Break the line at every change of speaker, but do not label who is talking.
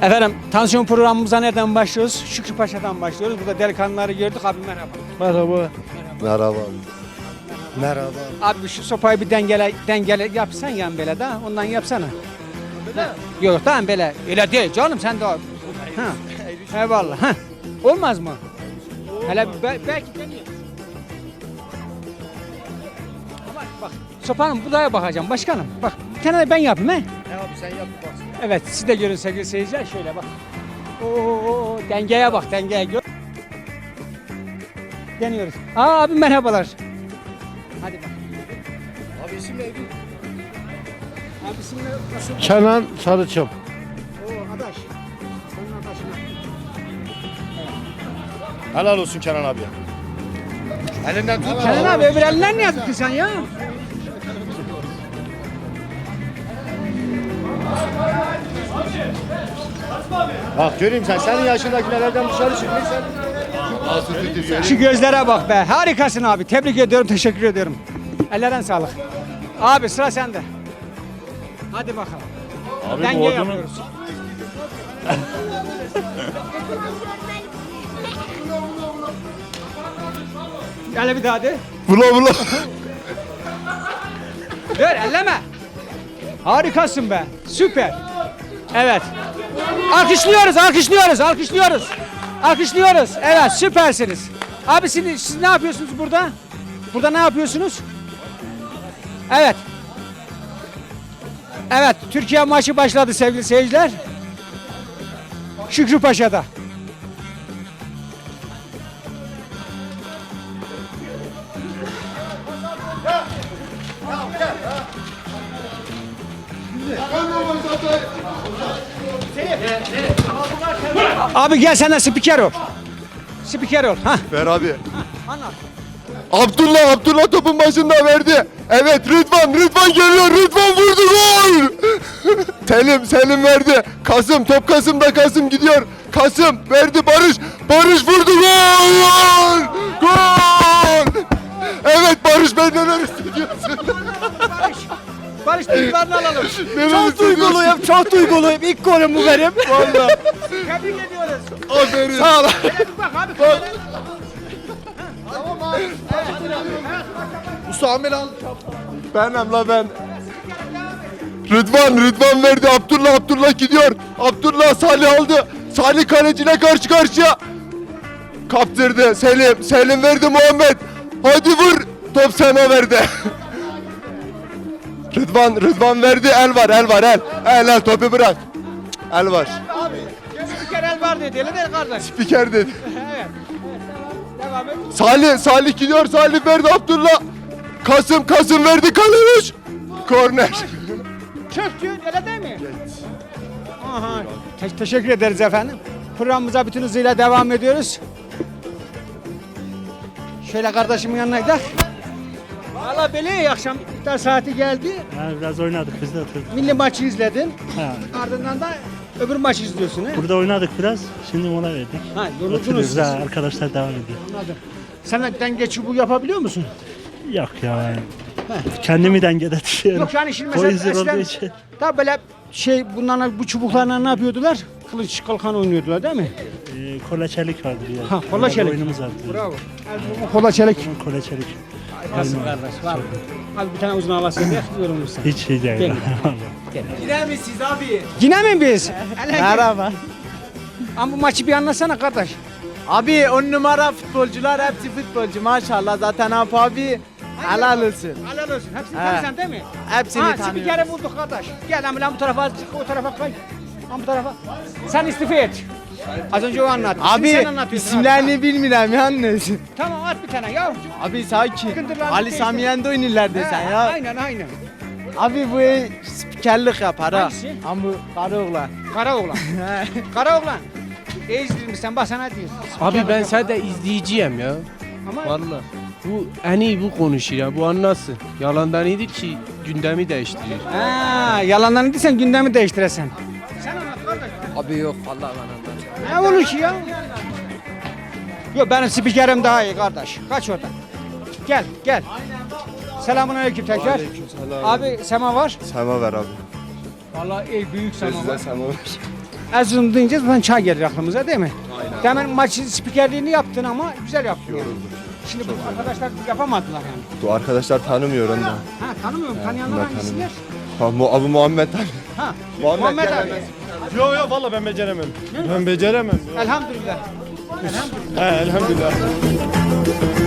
Efendim tansiyon programımıza nereden başlıyoruz? Şükrü Paşa'dan başlıyoruz. Burada delikanlıları gördük. Abi merhaba.
Merhaba. Merhaba. Merhaba.
Abi şu sopayı bir dengele yapsan yan böyle da ondan yapsana. Yok tamam böyle. Öyle değil canım sen de. Ha. Eyvallah. Ha. Olmaz mı? Hele belki deneyeyim. Ama bak sopanın budaya bakacağım başkanım. Bak bir tane de ben yapayım he.
Abi sen yap bak.
Evet siz de görün sevgili seyirciler şöyle bak. Oo dengeye bak dengeye gör. Deniyoruz. Abi merhabalar. Hadi bak.
Abi isim neydi?
Abi isimle nasıl?
Kenan Sarıçam.
Oo adaş. Senin adaşına.
Helal olsun Kenan abi. Elinden tut.
Kenan abi öbür elinden ne yaptın sen ya?
Bak göreyim senin yaşındakilerden dışarı çıkmışsın.
Şu gözlere bak be. Harikasın abi. Tebrik ediyorum. Teşekkür ediyorum. Ellerine sağlık. Abi sıra sende. Hadi bakalım.
Abi
Denge
bu odunu
yapıyoruz. Gel bir daha de.
Bula.
Dur elleme. Harikasın be. Süper. Evet. Alkışlıyoruz, alkışlıyoruz, alkışlıyoruz. Alkışlıyoruz. Evet, süpersiniz. Abi siz ne yapıyorsunuz burada? Burada ne yapıyorsunuz? Evet. Evet, Türkiye maçı başladı sevgili seyirciler. Şükrü Paşa'da. Abi gel sen de spiker ol. Spiker ol. Hah.
Ver abi.
Anlat.
Abdullah topun başında verdi. Evet Rıdvan geliyor. Rıdvan vurdu gol. Selim verdi. Kasım gidiyor. Kasım verdi Barış vurdu gol. Gol. Evet Barış ben neler hissediyorsun?
Barış duygularını alalım.
Çok duyguluyum.
Çok duyguluyum. İlk golüm bu benim.
Valla.
Tebrik ediyoruz.
Aferin. Sağ ol.
Şöyle bir bak abi. kameraya.
Usamil al. Benim la ben. Rıdvan verdi. Abdullah gidiyor. Abdullah Salih aldı. Salih kaleciyle karşı karşıya. Kaptırdı. Selim verdi Muhammed. Hadi vur. Top sana verdi. Rıdvan verdi. El var. El topu bırak. El var.
Abi. Spiker el var dedi. Öyle değil kardeş.
Spiker dedi.
Evet. Devam et.
Salih gidiyor. Salih verdi Abdullah. Kasım verdi Kaleviç. Korner.
Çöktü. Öyle değil mi? Aha. Teşekkür ederiz efendim. Programımıza bütün hızıyla devam ediyoruz. Şöyle kardeşimin yanına gidelim. Valla böyle akşam iftar saati geldi.
ha, biraz oynadık biz de oturduk.
Milli maçı izledin.
Ha,
Ardından da öbür maçı izliyorsun he?
burada oynadık biraz. Şimdi mola verdik.
Ha, yoruldunuz
Oturuyoruz.
siz.
Ha, arkadaşlar devam ediyor.
Anladım. Sen de denge çubuğu yapabiliyor musun?
Yok ya. Kendimi dengede tutuyorum.
Yok yani şimdi
O
mesela
yüzden olduğu
eskiden
için.
tabi böyle bunlarla bu çubuklarla ne yapıyordular? Kılıç kalkan oynuyordular değil mi?
Kola çelik vardı bir yer.
Ha, kola çelik.
Oyunumuz vardı.
Bravo. Kola çelik.
Kola çelik.
Nasıl kardeş var mı? Abi bir tane uzun havası ver yorulursun.
Hiç şey değil.
Gel.
Vallahi.
Yine mi siz abi?
Yine mi biz?
Merhaba.
Ama bu maçı bir anlatsana kardeş.
Abi 10 numara futbolcular hepsi futbolcu maşallah zaten abi helal olsun.
Helal olsun. Hepsini
He.
tanıyorsun değil mi?
Hepsini
Ha,
tanıyorum.
spikeri bulduk kardeş. Gel lan bu tarafa çık, o tarafa kay. Lan bu tarafa. Sen istifa et. Az önce o anlattı. Şimdi
Abi
sen anlatıyorsun
isimlerini bilmiyorum yalnız.
abi. Tamam at bir tane ya.
Abi sakin.
Sıkıntılar
Ali
değil.
Sami Yen'de oynarlar desen
He,
ya.
Aynen.
Abi bu spikerlik yapar ha.
Hangisi?
Ama bu karı oğlan.
Kara oğlan. Kara oğlan. İzledin sen bak sana diyor.
Abi ben sadece izleyeceğim ya.
Ama
Vallahi. Bu en iyi bu konuşur ya. Bu anlasın. Yalandan iyidir ki gündemi değiştiriyor.
ha, yalandan dediysen gündemi değiştiresen. Sen anlat kardeş.
Abi yok vallahi ben anladım.
Ne olur ki ya? Yok benim spikerim daha iyi kardeş. Kaç oradan. Gel. Selamünaleyküm tekrar.
Aleykümselam.
Abi sema var.
Sema ver abi.
Vallahi büyük sema var.
Sema ver.
Erzurum deyince zaten çay gelir aklımıza değil mi? Hemen maçın spikerliğini yaptın ama güzel yaptın yani. Şimdi bu arkadaşlar yapamadılar yani.
Bu arkadaşlar tanımıyor onu da.
Ha tanımıyorum. Tanıyanlar
bunlar
hangisiler?
Abu Muhammed
Ha.
Muhammed
abi.
Yok yok valla ben beceremem. Ben beceremem.
Elhamdülillah.
He elhamdülillah.